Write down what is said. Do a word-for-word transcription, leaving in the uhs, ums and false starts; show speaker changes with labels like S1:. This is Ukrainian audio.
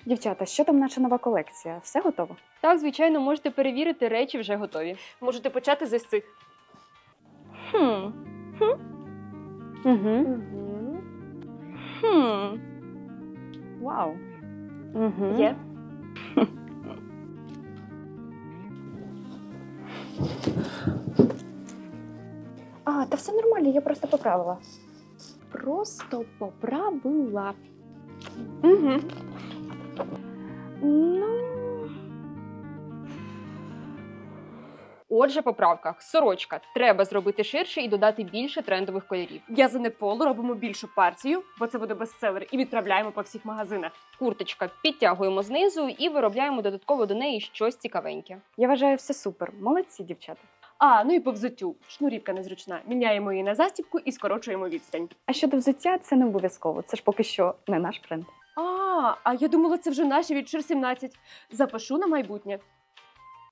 S1: Дівчата, що там наша нова колекція? Все готово?
S2: Так, звичайно, можете перевірити, речі вже готові.
S3: Можете почати з ось цих.
S1: Хм. Хм. Угу. Хм. Вау. Угу.
S3: Є.
S1: А, та все нормально, я просто поправила.
S3: Просто поправила. Угу.
S1: Ну.
S2: Отже, по правках. Сорочка. Треба зробити ширше і додати більше трендових кольорів.
S3: В'язане поло робимо більшу партію, бо це буде бестселер, і відправляємо по всіх магазинах.
S2: Курточка підтягуємо знизу і виробляємо додатково до неї щось цікавеньке.
S1: Я вважаю, все супер. Молодці, дівчата.
S3: А, ну і по взуттю. Шнурівка незручна. Міняємо її на застібку і скорочуємо відстань.
S1: А щодо взуття, це не обов'язково. Це ж поки що не наш бренд.
S3: А, а я думала, це вже наші від Шир сімнадцять. Запишу на майбутнє.